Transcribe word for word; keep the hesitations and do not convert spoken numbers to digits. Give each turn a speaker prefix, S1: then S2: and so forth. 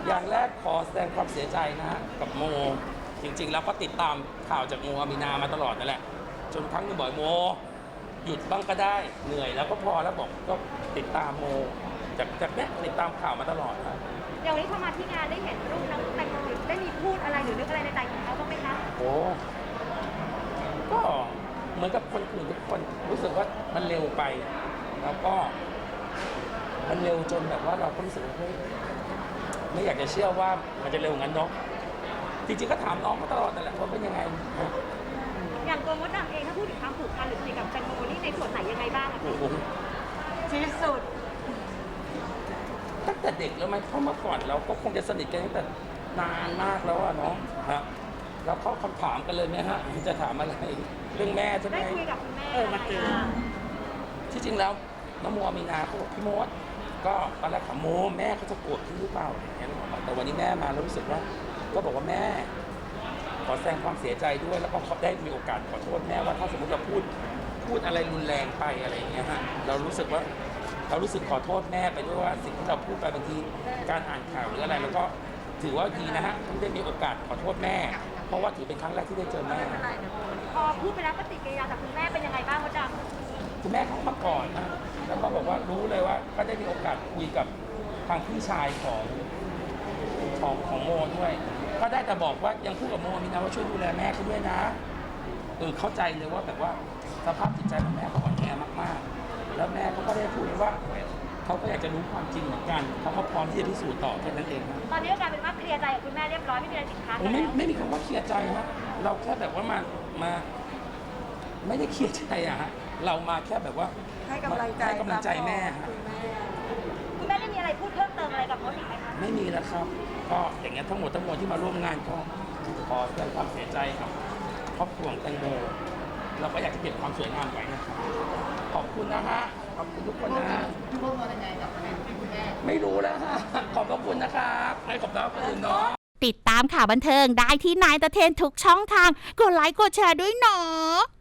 S1: อย่างแรกขอแสดงความเสียใจนะฮะกับโมจริงๆแล้วก็ติดตามข่าวจากโมอามีนามาตลอดนั่นแหละจนครั้งหนึงบอกโมหยุดบ้างก็ได้เหนื่อยแล้วก็พอแล้วบอกก็ติดตามโมจากจากเนี้ยติดตามข่าวมาตลอดครับ
S2: อย่างวันนี้เข้ามาที่งานได้เห็นรูปน้องแตงโมได้มีพูดอะไรหรือนึกอะไรในใจของเขาบ้างไหมคะ
S1: โอ้ก็เหมือนกับคนอื่นทุกคนรู้สึกว่ามันเร็วไป แล้วก็มันเร็วจนแบบว่าเราก็รู้สึกว่าเฮ้ยไม่อยากจะเชื่อว่ามันจะเร็วงั้นเนาะจริงๆก็ถามน้องมาตลอดนั่นแหละว่าเป็นยังไง
S2: อย่างตัวมดดำเองถ้าพูดถึงความผูกพันหรือสนิทกับแตงโมนี่ในส่วนไหนยังไงบ้างอะ
S1: โอ้โห
S2: ที่สุด
S1: ตั้งแต่เด็กแล้วไหมเพราะเมื่อก่อนเราก็คงจะสนิทกันตั้งแต่นานมากแล้วอะเนาะฮะแล้วเข้าคำถามกันเลยไหมฮะจะถามอะไรเรื่องแม่ใช่ไหม
S2: ได้คุยกับคุณแม่
S3: เออมาเจอ
S1: ที่จริงแล้วน้องโมมีนาเขาบอกพี่โมดก็ตอนแรกถามโมแม่เขาจะโกรธพี่หรือเปล่าอย่างเงี้ยแต่วันนี้แม่มาแล้วรู้สึกว่า ก็บอกว่าแม่ ขอแสดงความเสียใจด้วยแล้วก็เขาได้มีโอกาสขอโทษแม่ว่าถ้าสมมติเราพูดพูดอะไรรุนแรงไปอะไรอย่างเงี้ยฮะเรารู้สึกว่าเรารู้สึกขอโทษแม่ไปด้วยว่าสิ่งที่เราพูดไปบางทีการอ่านข่าวหรืออะไรแล้วก็ถือว่าดีนะฮะที่ได้มีโอกาสขอโทษแม่ เพราะว่าถือเป็นครั้งแรกที่ได้เจอแม่
S2: พอพูดไปแล้วปฏิกิริยาจากคุณแม่เป็นยังไงบ้างมดดำ
S1: คุณแม่เขามาก่อนนะแล้วก็บอกว่ารู้เลยว่าก็ได้มีโอกาสคุยกับทางพี่ชายของของของโมด้วย ก็ได้แต่บอกว่ายังพูดกับโมมีนะว่าช่วยดูแลแม่เขาด้วยนะเออเข้าใจเลยว่าแบบว่าสภาพจิตใจของแม่เขาอ่อนแอมากๆ แล้วแม่เขาก็ได้พูดว่าเขาก็อยากจะรู้ความจริงเหมือนกันเขาก็พร้อมที่จะพิสูจน์ต่อแค่นั้นเองนะ
S2: ตอนนี้ก็กลายเป็นว่าเคลียร์ใจกับคุณแม่เรียบร้อยไม่มีอะไรติดค้าง
S1: ผม
S2: แล้
S1: ไม่
S2: ว
S1: ไม่มีคำว่าเคลียร์ใจนะเราแค่แบบว่ามามาไม่ได้เคลียร์ใจอะฮะเรามาแค่แบบว่า
S3: ให้กำลังใจ
S1: ให้กำลังใจแม่ฮะ
S3: คุณแม่
S2: คุณแม่ได้มีอะไรพูดเพิ่มเติมอะไรกับมดอีกไหมคะ
S1: ไม่มีแล้วครับ ก็อย่างเงี้ยทั้งหมดทั้งมวลที่มาร่วมงานก็ขอแสดงความเสียใจกับครอบครัวของแตงโมเราก็อยากจะเก็บความสวยงามไว้นะครับขอบคุณนะฮะขอบคุณทุกคนนะฮะ
S4: พี่พวกเรายังไงกับประเด็นที่คุณแม่
S1: ไม่รู้แล้วฮะขอบพระคุณนะครับให้ขอบคุณคนอื่นเนาะ
S5: ติดตามข่าวบันเทิงได้ที่นายตะเทนทุกช่องทาง กดไลค์กดแชร์ด้วยเนาะ